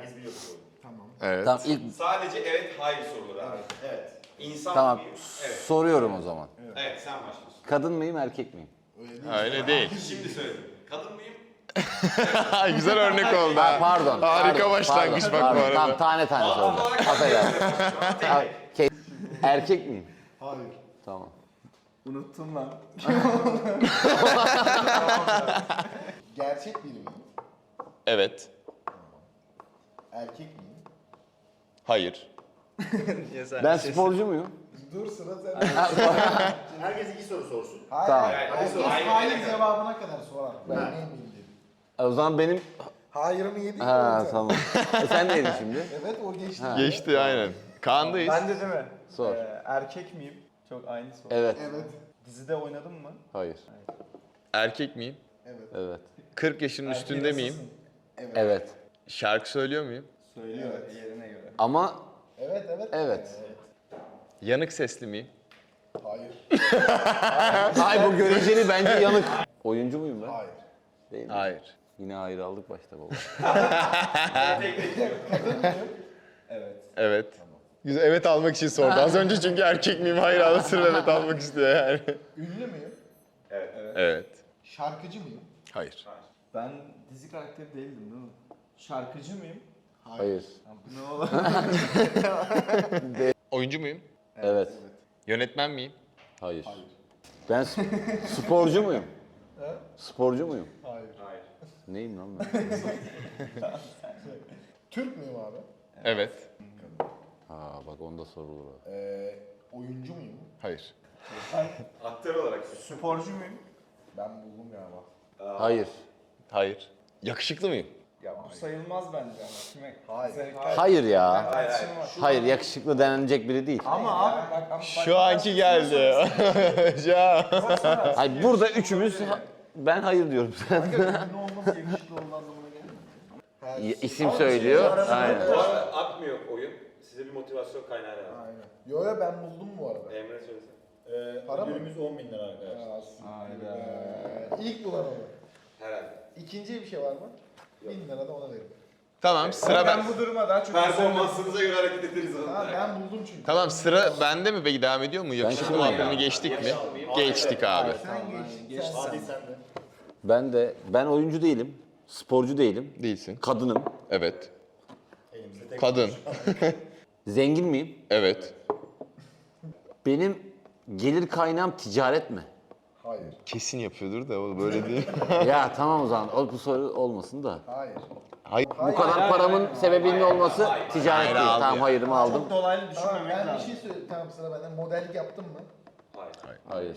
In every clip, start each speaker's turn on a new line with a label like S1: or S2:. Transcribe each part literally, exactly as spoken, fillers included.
S1: herkes biliyor bu soruyu.
S2: Tamam.
S3: Evet.
S4: Tamam ilk
S5: Sadece evet hayır soruları abi.
S1: Evet.
S5: İnsan
S4: tamam
S5: mıyım? Evet.
S4: soruyorum o zaman.
S5: Evet sen başlıyorsun.
S4: Kadın mıyım erkek miyim?
S2: Öyle değil.
S3: Öyle değil.
S5: Şimdi söyledim. Kadın mıyım?
S3: Güzel örnek oldu
S4: Ha,
S3: ha.
S4: pardon.
S3: Harika
S4: pardon,
S3: başlangıç
S4: pardon,
S3: bak bu
S4: pardon.
S3: arada.
S4: Tamam tane tane
S5: Altın
S4: soracağım.
S5: olarak
S4: Affedersin. Ha, ke- Erkek miyim?
S2: Hayır.
S4: Tamam.
S2: Unuttum lan. Gerçek biri miyim?
S3: Evet.
S2: Erkek miyim?
S3: Hayır.
S4: Ben sporcu muyum?
S2: Dur sıra sende.
S1: Herkes iki soru sorsun.
S2: Hayır.
S4: Tamam.
S2: Hayır.
S5: Hadi
S2: Herkes
S5: sor. Hayır,
S2: hayır
S5: hayır.
S2: cevabına kadar sorar. Ben neyim dedim.
S4: E, O zaman benim...
S2: Hayır'ımı yedik.
S4: Ha
S2: mi?
S4: tamam. E, sen neydin şimdi?
S2: Evet o geçti.
S4: Ha.
S3: Geçti aynen. Kaan'dayız.
S6: Ben de değil mi?
S4: Sor.
S6: Ee, erkek miyim? Çok aynı soru.
S4: Evet.
S2: Evet.
S6: Dizide oynadın mı?
S4: Hayır.
S3: Erkek miyim?
S2: Evet.
S4: Evet.
S3: kırk yaşının üstünde miyim?
S2: Evet.
S4: Evet.
S3: Şarkı söylüyor muyum?
S6: Söylüyor
S2: Evet.
S6: yerine göre.
S4: Ama
S2: Evet evet.
S4: evet.
S3: Yanık sesli miyim?
S2: Hayır.
S4: Ay bu göreceli bence yanık. Oyuncu muyum ben?
S2: Hayır.
S4: Değil mi?
S3: Hayır.
S4: Yine hayır aldık başta baba.
S6: Evet.
S3: Evet. Güzel, evet almak için sordu. Az önce çünkü erkek miyim? Hayır alırsın evet almak istiyor yani.
S2: Ünlü müyüm?
S5: Evet.
S3: Evet.
S2: Şarkıcı mıyım?
S3: Hayır.
S6: Ben dizi karakteri değildim değil mi? Şarkıcı mıyım?
S4: Hayır.
S6: Ya bu ne oğlum?
S3: Oyuncu muyum?
S4: Evet.
S3: Yönetmen miyim?
S4: Hayır.
S2: Hayır.
S4: Ben sp- sporcu muyum?
S2: He?
S4: Sporcu muyum?
S2: Hayır.
S5: Hayır.
S4: Neyim lan ben?
S2: Türk müyüm abi?
S3: Evet.
S4: Ha bak onda sorulur. o.
S2: Ee, oyuncu muyum?
S3: Hayır.
S5: Aktör olarak.
S6: Sporcu muyum?
S2: Ben buldum galiba.
S4: Hayır.
S3: Hayır. Yakışıklı mıyım?
S6: Ya bu sayılmaz bence ama. Kime?
S2: Hayır.
S6: Zevk-
S4: Hayır ya.
S5: Hayır
S6: Tartışma var.
S4: Hayır yakışıklı denilecek biri değil.
S6: Ama abi bak ama
S3: Şu anki geldi. Hocam.
S4: Hayır burada üçümüz ha- ben hayır diyorum.
S2: Ünlü olması yakışıklı olduğu anlamına gelmiyor.
S4: Y- İsim söylüyor. Aynen.
S5: Bu arada akmıyor oyun. Size bir motivasyon kaynağı lazım.
S2: Aynen. Yo yo ben buldum bu arada.
S5: Emre söylesene.
S1: Ee,
S2: Para mı?
S1: ödülümüz on bin lira arkadaşlar.
S2: Ya, aslında.
S6: Hayda.
S2: Ee, İlk bulan olur.
S5: Herhalde.
S2: İkinciye bir şey var mı? Bin lira da ona verin.
S3: Tamam sıra ben.
S6: ben bu duruma daha çok
S5: Performansınıza göre hareket ederiz.
S2: Ha ben buldum çünkü.
S3: Tamam sıra bende mi peki devam ediyor mu? Yakışıklı
S4: kimim
S3: muhabbetini
S4: ya?
S3: geçtik mi? Geçtik abi.
S2: Sen geçtin.
S6: geçti.
S2: sen.
S1: Hadi sen de.
S4: Ben de ben oyuncu değilim. Sporcu değilim.
S3: Değilsin.
S4: Kadınım.
S3: Evet.
S1: Elimizde tek
S3: Kadın.
S4: Zengin miyim?
S3: Evet.
S4: Benim gelir kaynağım ticaret mi?
S2: Hayır.
S3: Kesin yapıyordur da o böyle değil.
S4: Ya tamam o zaman o bu soru olmasın da.
S2: Hayır.
S3: Hayır.
S4: Bu kadar paramın sebebinin olması ticaret
S3: Hayır,
S4: değil.
S3: aldı
S4: Tamam
S3: ya.
S4: hayırımı aldım.
S6: Çok dolaylı
S2: Tamam
S6: düşünmemek
S2: ben bir
S6: lazım.
S2: şey söyleyeyim. Tamam sıra benden. Modellik yaptın mı?
S5: Hayır.
S4: Hayır.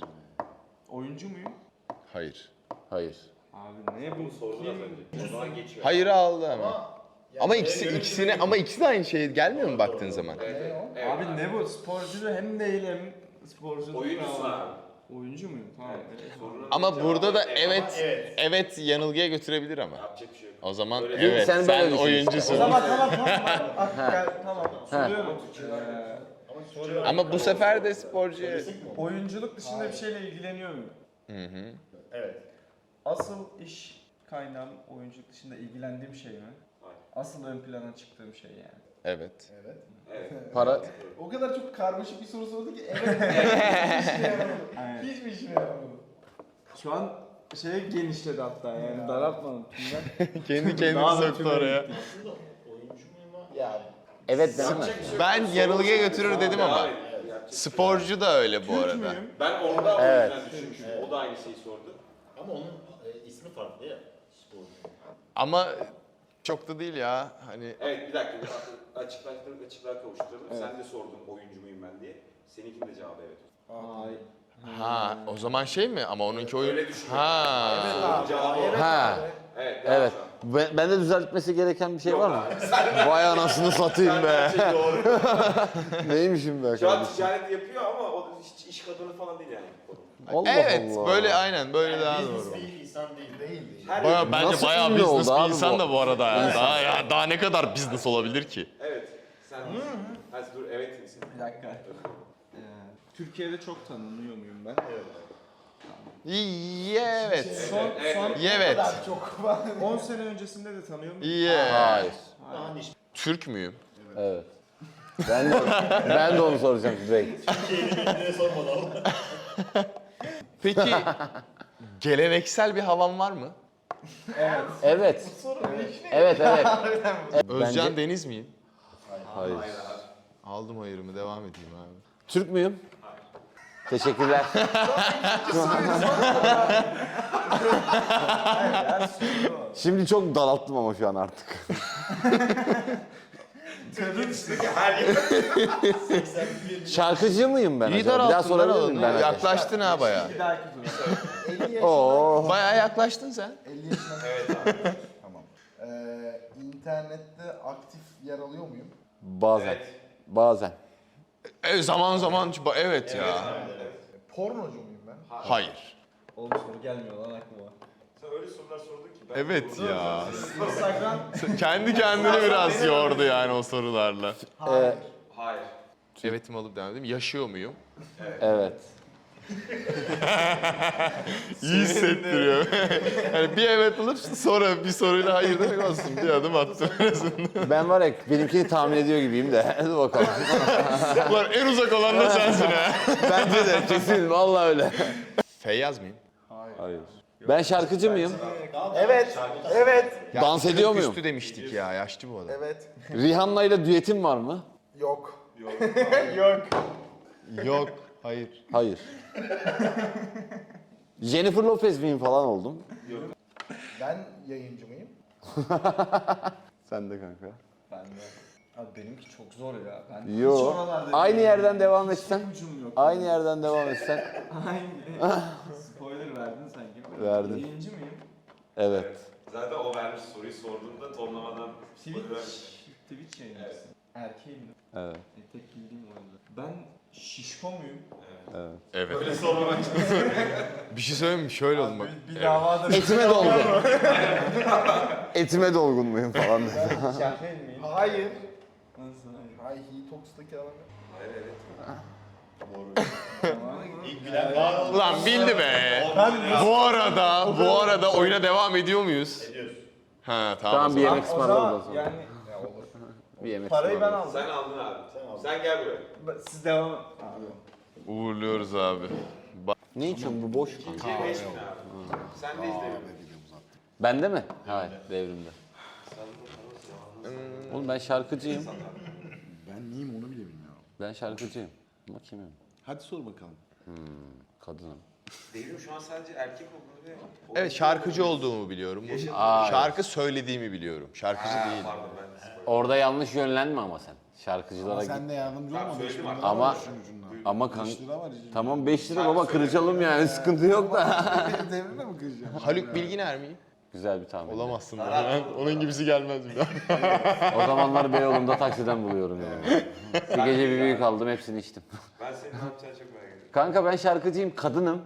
S6: Oyuncu muyum?
S3: Hayır.
S4: Hayır.
S6: Abi ne bu?
S5: Sordun az önce. O zaman geçiyor.
S3: Hayır aldı ama.
S2: Ama
S3: Ama ikisi ikisine ama ikisi de aynı şey gelmiyor mu baktığın zaman?
S2: ne o?
S5: Evet.
S6: Abi ne bu? Sporcu da hem değil hem sporcu.
S5: Oyuncusun abi.
S6: Oyuncu muyum? Tamam. evet.
S5: Sorunun
S3: Ama
S5: cevabı
S3: burada da
S5: evet.
S3: evet
S1: evet.
S3: evet yanılgıya götürebilir ama.
S5: Yapacak bir şey yok.
S3: O zaman
S5: Öyle
S3: evet
S4: Sen
S3: sen,
S4: böyle düşün
S3: oyuncusun.
S6: O zaman tamam tamam. Ak- gel, tamam. Soruyorum. Ee,
S1: Ama soruyorum.
S3: Ama bu sefer de sporcu.
S1: Söylesek mi?
S6: oyunculuk dışında bir şeyle ilgileniyor muyum?
S3: Hı hı.
S1: Evet.
S6: Asıl iş kaynağım oyunculuk dışında ilgilendiğim şey mi?
S5: Hayır.
S6: Asıl ön plana çıktığım şey yani.
S3: Evet.
S2: Evet.
S5: Evet.
S4: Para
S2: O kadar çok karmaşık bir soru sordu ki evet. Hiçbir işine yaramadı.
S6: Aynen.
S2: Hiçbir işine yaramadı.
S6: Şu an şeye genişledi hatta yani daraltmadım tümden.
S3: Kendi kendini
S6: Daha da
S3: soktu
S6: tüme
S3: oraya.
S6: gitti.
S1: Aslında oyuncu muyum ama?
S2: Ya
S4: evet değil mi?
S5: Yapacak bir şey yok.
S3: Ben yanılgıya götürür dedim ama.
S5: Hayır, yapacak bir şey yok.
S3: Sporcu da öyle bu
S6: Türk
S3: arada.
S6: müyüm?
S5: Ben orada o
S4: Evet.
S5: yüzden düşünmüştüm. O da aynı şeyi sordu.
S1: Ama onun e, ismi farklı ya. Sporcu.
S3: Ama çok da değil ya. Hani
S5: Evet bir dakika. bir Açıklaştırıp açıklığa kavuşturalım. Sen de sordun oyuncu muyum ben diye. Seninkinin de cevabı evet.
S6: Ay.
S3: ha o zaman şey mi? Ama onunki oyun.
S5: Öyle düşünme.
S3: Ha.
S5: Sorunun cevabı o.
S4: Ha.
S5: Evet. devam
S4: Evet.
S5: şu an.
S4: Ben, bende düzeltmesi gereken bir şey var mı? Vay anasını satayım be.
S5: Şey doğru.
S4: Neymişim be
S5: Şu an
S4: kardeşim?
S5: ticaret yapıyor ama o hiç iş kadını falan değil yani.
S4: Allah
S3: Evet
S4: Allah.
S3: böyle aynen böyle
S1: Yani
S3: daha
S1: business
S3: doğru.
S1: değil, insan değil.
S2: değil değil.
S5: Her
S3: Baya, bence
S4: Nasıl
S3: bayağı
S4: ünlü
S3: business
S4: oldu
S3: bir
S4: abi
S3: insan
S4: bu?
S3: da bu arada ya. Daha, ya. Daha ne kadar business olabilir ki?
S5: Evet. Sen Hadi dur evet misin?
S6: Bir dakika. Ee, Türkiye'de çok tanınıyor muyum ben?
S1: Evet.
S3: İyi evet.
S6: Son,
S5: Evet,
S6: son
S3: Evet.
S2: Çok var.
S6: on sene öncesinde de tanıyor muyum?
S3: İyi.
S4: Hayır.
S1: Hangi iş?
S3: Türk müyüm?
S4: Evet. Ben de, ben de onu soracağım direkt.
S1: Türkiye'yi sormadan.
S3: Peki geleneksel bir havan var mı?
S4: Evet. Evet, evet.
S3: Özcan
S4: Bence-
S3: Deniz miyim?
S4: Hayır.
S3: Aldım hayırımı, devam edeyim abi.
S4: Türk müyüm? Teşekkürler. Şimdi çok daralttım ama şu an artık. Şarkıcı mıyım ben
S3: İyi
S4: acaba? Bir daha
S3: daralttın lan
S4: sorabilir
S3: oğlum.
S4: miyim ben? acaba?
S3: Yaklaştın ha baya.
S6: Bir dahaki tur.
S4: Oo.
S3: Baya yaklaştın sen.
S2: elli yaşına. Evet abi. Tamam. Ee, internette aktif yer alıyor muyum?
S4: Bazen. Bazen.
S3: E, zaman zaman evet ya.
S2: Pornocu muyum ben?
S3: Hayır.
S6: Oğlum soru gelmiyor lan aklıma.
S5: Sen öyle sorular sordun ki ben
S3: Evet ya.
S6: Instagram.
S3: Kendi kendini biraz yordu yani o sorularla.
S4: Ee,
S5: hayır.
S3: Evetimi alıp devam edeyim. Yaşıyor muyum?
S4: evet.
S3: İyi hissettiriyor. Yani bir evet alıp sonra bir soruyla hayır demek olsun. Bir adım attım en azından.
S4: Ben var ya benimkini tahmin ediyor gibiyim de. Hadi bakalım.
S3: Ulan en uzak olan da sensin ha.
S4: Bence de kesin vallahi öyle.
S3: Feyyaz mıyım?
S4: Hayır. Ben şarkıcı mıyım?
S2: Evet. Evet.
S4: Dans ediyor muyum?
S3: Üstü demiştik ya. Yaşlı bu adam.
S2: Evet.
S4: Rihanna ile düetim var mı?
S2: Yok.
S3: Yok. Hayır.
S4: Hayır. Jennifer Lopez miyim falan oldum.
S2: Ben yayıncı mıyım?
S4: Sen de kanka.
S6: Ben de. Abi benimki çok zor ya. Ben hiç
S4: Yo.
S6: oralarda
S4: Aynı
S6: değilim.
S4: yerden devam etsen.
S6: Hiçbir ucum yok.
S4: Aynı yerden devam etsen.
S6: Aynı. Spoiler verdin sanki.
S4: Verdim.
S6: Yayıncı mıyım?
S4: Evet.
S5: Zaten o vermiş soruyu sorduğunda tonlamadan
S6: Twitch. Twitch yayıncısı. Erkeğim.
S4: Evet.
S6: E, tek bildiğim o yüzden. Ben şişko muyum?
S4: Evet.
S3: Evet.
S5: öyle sormamak için.
S3: Bir şey söyleyeyim mi? Şöyle oldu bak.
S6: Bir davada
S4: Etime dolgun. Etime dolgun muyum falan dedi.
S6: şerfeyn miyim?
S2: Hayır.
S6: Nasıl hayır?
S2: Hay Hitox'taki adam.
S5: Hayır evet.
S1: İlk bilen var oldu.
S3: Ulan bildi be. Bu arada, bu arada oyuna devam ediyor muyuz?
S1: Ediyoruz.
S3: Ha tamam.
S4: Tamam
S3: o
S4: bir
S3: zaman.
S4: yemek
S6: O
S4: ısmarladım o
S6: zaman
S4: zaman.
S6: yani
S4: Bir yemek
S6: parayı ben
S4: ısmarladım.
S6: aldım.
S5: Sen aldın abi.
S1: Sen aldın.
S5: Sen gel buraya.
S6: Ben- Siz devam Abi.
S3: Uğurluyoruz abi.
S4: Ne içiyorsun bu boş mu?
S5: İkiye beş bin abi. Sen de izle.
S4: Bende mi? Hayır devrimde. Oğlum ben şarkıcıyım.
S2: Ben neyim onu bile bilmiyorum.
S4: Ben şarkıcıyım. Ama kimim?
S2: Hadi sor bakalım.
S4: Kadınım.
S5: Devrim şu an sadece erkek olduğunu ve...
S3: Evet şarkıcı olduğumu biliyorum.
S4: Aa,
S3: Şarkı söylediğimi biliyorum. Şarkıcı
S5: Ha,
S3: değilim.
S5: pardon ben spoiler.
S4: orada yanlış yönlenme ama sen. Şarkıcılara git.
S2: Sen de yardımcı
S5: Tamam,
S2: olma.
S5: söyledim
S2: beş bin
S5: artık.
S2: lira
S4: Ama
S2: var işin ucunda.
S4: ama kan
S2: beş lira var işin
S4: tamam beş lira baba kıracalım yani sıkıntı yok da.
S2: ucunda. Devrimle mi kıracağım?
S3: Haluk Bilginer miyim?
S4: Güzel bir tahmin.
S3: Olamazsın. Ben, onun gibisi gelmez bir daha.
S4: O zamanlar Beyoğlu'nda taksiden buluyorum yani. Bir gece bir büyük aldım hepsini içtim.
S5: Ben senin ne yapacağını çok merak ediyorum.
S4: Kanka ben şarkıcıyım, kadınım.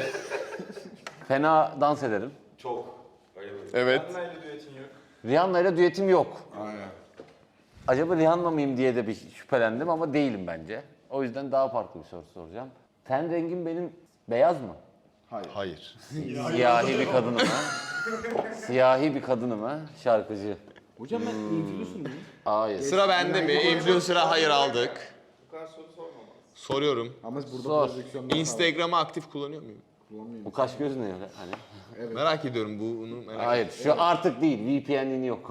S4: Fena dans ederim.
S5: Çok. Öyle böyle.
S3: Evet.
S6: Benle düetin yok.
S4: Rihanna ile düetim yok.
S2: Aynen.
S4: Acaba Rihanna mıyım diye de bir şüphelendim ama değilim bence. O yüzden daha farklı bir soru soracağım. Ten rengim benim beyaz mı?
S3: Hayır.
S4: Siyahi bir kadınım ha. Siyahi bir kadınım ha. Şarkıcı.
S6: Hocam ben influencer mıyım?
S4: Hayır.
S3: Sıra bende mi? Influencer'a hayır aldık.
S5: Bu kadar soru sormamaz.
S3: Soruyorum.
S2: Ama burada
S4: Sor.
S2: projeksiyonda
S3: Instagram'ı aktif kullanıyor muyum?
S4: Bu kaş göz ne öyle? Hani?
S3: Merak ediyorum bunu merak ediyorum.
S4: Hayır, şu artık değil. V P N'in yok.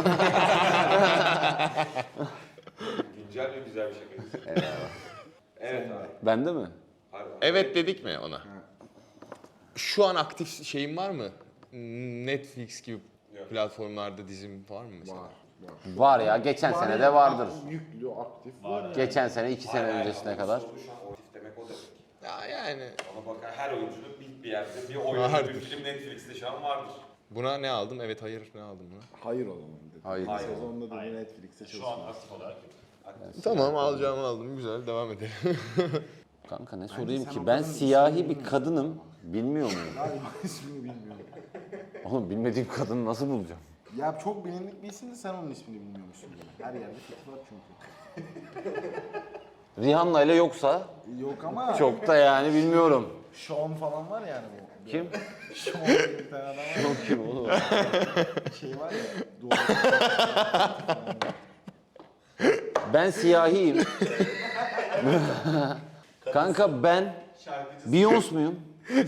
S5: Güncel ve güzel bir şakaydı. Evet abi.
S4: Bende mi?
S5: Pardon.
S3: Evet dedik mi ona? Şu an aktif şeyim var mı? Netflix gibi
S5: Yok.
S3: platformlarda dizim var mı mesela?
S4: Var ya, geçen sene de vardır.
S2: Yüklü, aktif var.
S4: Geçen sene, iki sene
S5: Hayır,
S4: öncesine
S5: hayır,
S4: kadar.
S5: soru şu an aktif demek o demek.
S3: Ya yani
S5: Ona bakar her oyuncunun bir, bir yerde bir oyuncu,
S3: Vardır.
S5: bir film Netflix'te şu an vardır.
S3: buna ne aldım? Evet hayır ne aldım buna?
S2: Hayır o zaman dedi.
S4: Hayır.
S5: Hayır.
S2: Sezonda dedi
S1: Hayır.
S2: Netflix'te
S1: Şu an
S2: çalışmıyor.
S1: aktif olarak.
S3: Tamam alacağımı aldım güzel devam edelim.
S4: Kanka ne sorayım
S2: sen
S4: ki?
S2: o
S4: Ben
S2: kadının
S4: siyahi
S2: ismini
S4: bir kadınım. Bilmiyor muyum?
S2: Galiba ismini bilmiyorum.
S4: Oğlum bilmediğim kadını nasıl bulacağım?
S2: Ya çok bilindik bir isim de sen onun ismini bilmiyormuşsun. Her yerde fikri var çünkü.
S4: Rihanna ile yoksa
S2: Yok ama
S4: çok da yani bilmiyorum.
S2: Sean falan var yani bu.
S4: Kim?
S2: Şom diye bir tane adam var.
S4: Yok kim oğlum?
S2: Şey var ya. Doğru.
S4: Ben siyahiyim. Kanka ben Beyoncé muyum?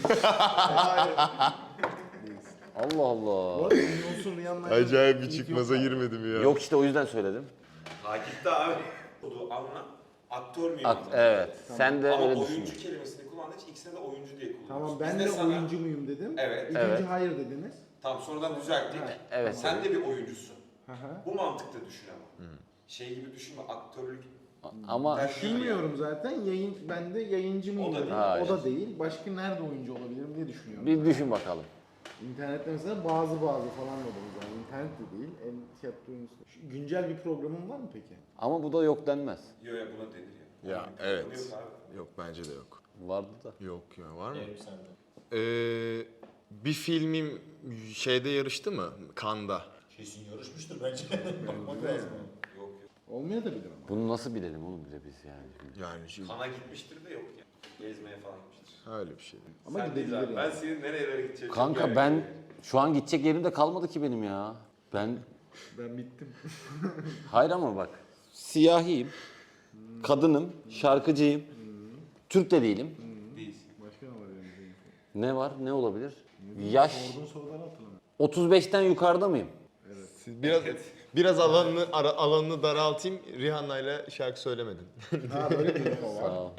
S4: Allah
S2: Bu
S4: Allah.
S2: arada Beyoncé'un Rihanna'yla
S3: Acayip bir
S2: ilk
S3: çıkmaza
S2: yok.
S3: girmedim ya.
S4: Yok işte o yüzden söyledim.
S5: Takipte abi. Olduğu anla. Aktör müyüm?
S4: Ak-
S5: anla.
S4: evet. Sen de
S5: Ama
S4: öyle
S5: oyuncu
S4: düşün.
S5: kelimesini kullandığı için ikisine de oyuncu diye kullanıyoruz.
S2: Tamam
S5: Biz
S2: ben de
S5: sana-
S2: oyuncu muyum dedim.
S5: Evet.
S2: İkinci
S4: Evet.
S2: hayır dediniz.
S5: Tamam sonradan düzelttik.
S4: Evet.
S5: Sen de bir oyuncusun.
S2: Hı hı.
S5: Bu mantıkta düşün ama. Şey gibi düşünme, aktörlük.
S4: Ama
S5: Ben
S2: Düşünmüyorum zaten. Yayın ben de yayıncı mıyım
S5: O da
S2: dedim.
S5: değil.
S4: Hayır.
S2: O da değil. Başka nerede oyuncu olabilirim diye düşünüyorum.
S4: bir düşün bakalım.
S2: İnternette mesela bazı bazı falan da olur. Yani internet de değil. En tiyatro oyuncusu. Şu güncel bir programın var mı peki?
S4: Ama bu da yok denmez.
S5: Yo ya buna denir ya.
S3: Ya,
S5: Bir
S3: evet.
S5: programı yok abi.
S3: Yok bence de yok.
S4: Vardı da.
S3: Yok ya var mı?
S1: Yerim sende.
S3: Ee, bir filmim şeyde yarıştı mı? Cannes'da.
S1: Kesin yarışmıştır bence. Bakmak lazım.
S5: Yok yok.
S2: Olmayabilir ama.
S4: Bunu nasıl bilelim oğlum bile biz yani.
S3: Yani şey,
S5: Kana gitmiştir de yok ya. Gezmeye falan gitmiştir.
S3: öyle bir şey.
S2: Ama
S5: Sen değil
S2: gidebilir
S5: abi.
S2: yani.
S5: Ben senin nerelere gideceğini çok
S4: Kanka
S5: merak
S4: ben
S5: ediyorum.
S4: şu an gidecek yerim de kalmadı ki benim ya. Ben
S2: Ben bittim.
S4: hayır ama bak. Siyahiyim. Kadınım. Şarkıcıyım. Türk de değilim.
S5: Değilsin.
S2: Başka ne var elimizde?
S4: Ne var? Ne olabilir? Yaş
S2: Sorduğun soruları hatırlamıyorum.
S4: otuz beşten yukarıda mıyım?
S3: Siz biraz biraz alanını ara- alanını daraltayım. Rihanna'yla şarkı söylemedin.
S2: Ha böyle bir info var.
S4: Sağ ol.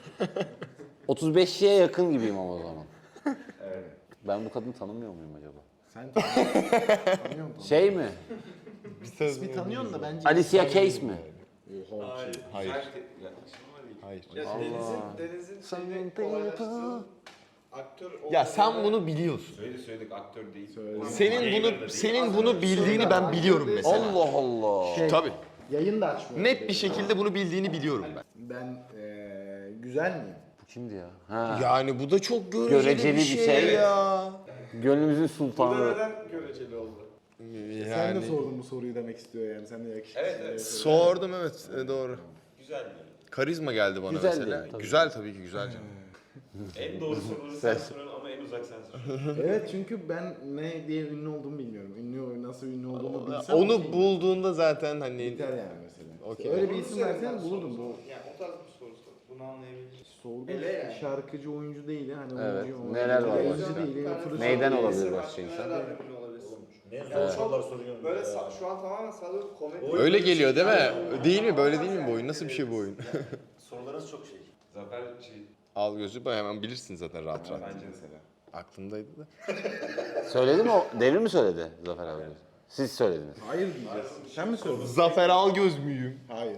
S4: otuz beşe yakın gibiyim ama o zaman.
S5: Evet.
S4: Ben bu kadını tanımıyor muyum acaba?
S2: Sen tanıyor musun?
S4: Şey mi?
S2: İsmi tanıyorsun da bence.
S4: Alicia Keys mi?
S2: Oha.
S5: Hayır.
S3: Hayır.
S5: Güzel te- yaklaşım var iyi.
S3: Hayır.
S7: Ya Deniz'in, Deniz'in şeyini kolaylaştıralım. Aktör
S3: Ya sen bunu biliyorsun.
S5: Söyledik söyledik aktör değil.
S2: Söyle.
S3: Senin bunu senin bunu bildiğini ben biliyorum mesela.
S4: Allah Allah.
S2: Şey,
S3: Tabii.
S2: Yayın da açmıyor.
S3: Net bir şekilde bunu bildiğini biliyorum ben.
S2: Ben eee güzel miyim?
S4: Bu kimdi ya? Ha.
S3: Yani bu da çok göreceli,
S4: Göreceli bir şey.
S3: ya.
S4: Gönlümüzün
S7: Burada
S4: sultanı.
S7: neden göreceli oldu?
S2: Sen de sordun bu soruyu demek istiyor yani. Sen de yakışıklı.
S5: Evet, evet.
S3: Sordum evet e, doğru.
S5: Güzel mi?
S3: Karizma geldi bana
S4: Güzel
S3: mesela.
S4: değil, tabii.
S3: Güzel tabii ki güzel canım.
S5: En doğru soruları sen soruyorsun ama en uzak sen soruyorsun.
S2: Evet çünkü ben ne diye ünlü olduğumu bilmiyorum. Ünlü nasıl ünlü olduğumu bilsem
S3: Onu
S2: okey.
S3: bulduğunda zaten hani
S2: Biter yani mesela.
S3: Okey.
S2: Öyle bir isim versen bulurdum bu.
S7: Yani o tarz bir soru sor. Bunu anlayabiliriz.
S2: Sordu
S7: Ele yani.
S2: şarkıcı oyuncu değil hani
S4: Evet,
S2: oyuncu oyuncu.
S4: neler var
S2: Yayıncı
S4: başka?
S2: değil. influencer
S4: Neyden
S2: değil.
S4: olabilir başka insan?
S7: Neler ünlü olabilirsin?
S1: Ne
S7: Yani
S1: zor
S7: çok
S1: sorular soruyorum.
S7: Böyle
S1: ya.
S7: sa- şu an tamamen sadece komedi.
S3: öyle geliyor değil mi? Değil mi? Böyle değil mi bu oyun? Nasıl bir şey bu oyun?
S1: Sorularınız çok şey.
S5: Zafer şey
S3: Al gözü bak hemen bilirsin zaten rahat rahat.
S5: bence mesela.
S3: Aklımdaydı da.
S4: Söyledi mi o? Devrim mi söyledi Zafer abi? Siz söylediniz.
S2: Hayır diyeceğiz. Sen mi sordun?
S3: Zafer Algöz müyüm?
S2: Hayır.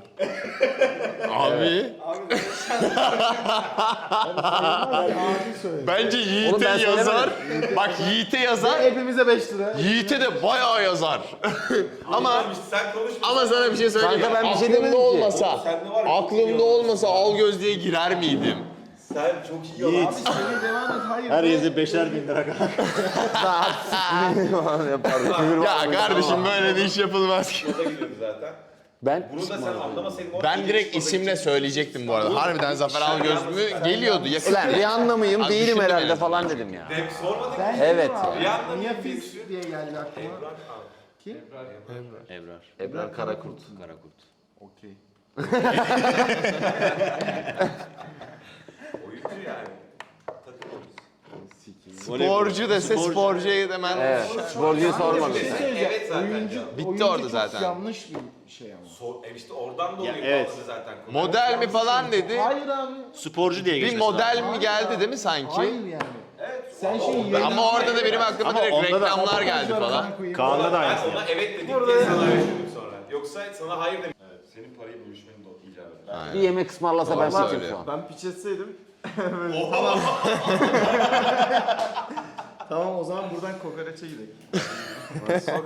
S3: Abi.
S7: Abi
S2: Abi söyledi.
S3: Bence
S4: Oğlum
S3: Yiğit'e
S4: ben
S3: yazar. Bak Yiğit'e yazar.
S2: Hepimize beş lira.
S3: Yiğit'e de bayağı yazar. ama
S5: Sen konuşma.
S3: ama sana bir şey söyleyeyim.
S4: Kanka ben bir şey
S3: Aklımda
S4: demedim ki.
S3: olmasa,
S5: Sen de var ya, çok iyi
S3: aklımda
S5: olmuş.
S3: olmasa Algöz diye girer miydim?
S5: Sen çok iyi yalan.
S2: Abi söyle devam et. Hayır.
S1: Her yerde beşer bin lira kadar.
S4: Yapardım.
S3: Ya kardeşim böyle bir iş yapılmaz ki.
S5: Moda gidiyordu zaten.
S4: Ben
S5: Bunu da sen anlamasaydın. o
S3: Ben
S5: an
S3: direkt
S5: moda
S3: isimle
S5: gidecek.
S3: söyleyecektim bu arada. Harbiden Zafer Algöz mü geliyordu. Yakın.
S4: Ulan Rihanna mıyım
S3: Abi
S4: değilim
S3: düşündüm
S4: herhalde
S3: yani.
S4: falan dedim ya.
S5: Hep sormadık.
S2: Ben
S4: Evet
S2: kimim abi?
S5: ya.
S2: Niye Fils diye geldi aklıma?
S5: Ebrar abi.
S2: Kim?
S4: Ebrar. Ebrar Karakurt. Karakurt.
S2: Okey.
S5: Oyuncu yani. Takım oyuncusu.
S3: Sporcu dese sporcuya hemen.
S4: Evet. Sporcuyu sormadım.
S2: Bir şey söyleyeceğim.
S5: Evet zaten
S2: Oyuncu,
S5: ya.
S3: Bitti
S2: oyuncu
S3: orada
S2: çok
S3: zaten.
S2: yanlış bir şey ama.
S5: Sor, e işte oradan dolayı
S1: evet.
S5: bağladı zaten. konu.
S3: Model mi falan dedi.
S2: Hayır abi.
S1: Sporcu diye
S3: Bir
S1: geçmesi
S3: model
S1: lazım.
S3: mi geldi değil mi sanki?
S2: Hayır yani.
S5: Evet.
S2: Sen
S5: ama
S2: şey
S5: onda-
S2: yayın-
S3: Ama orada da benim aklıma
S1: Ama
S3: direkt
S1: onda da-
S3: reklamlar geldi falan.
S1: Kaan'da da
S5: Ben
S1: aynısı.
S5: ona evet dedim diye sana öyle dedim sonra. Yoksa sana hayır dedim. Evet. Senin parayı bölüşmenin de icap eder.
S3: Aynen.
S4: Bir yemek ısmarlasa ben
S3: Doğru
S4: seçim
S3: söylüyor.
S4: şu an.
S6: Ben piç etseydim. Tamam o zaman buradan kokoreçe gidelim.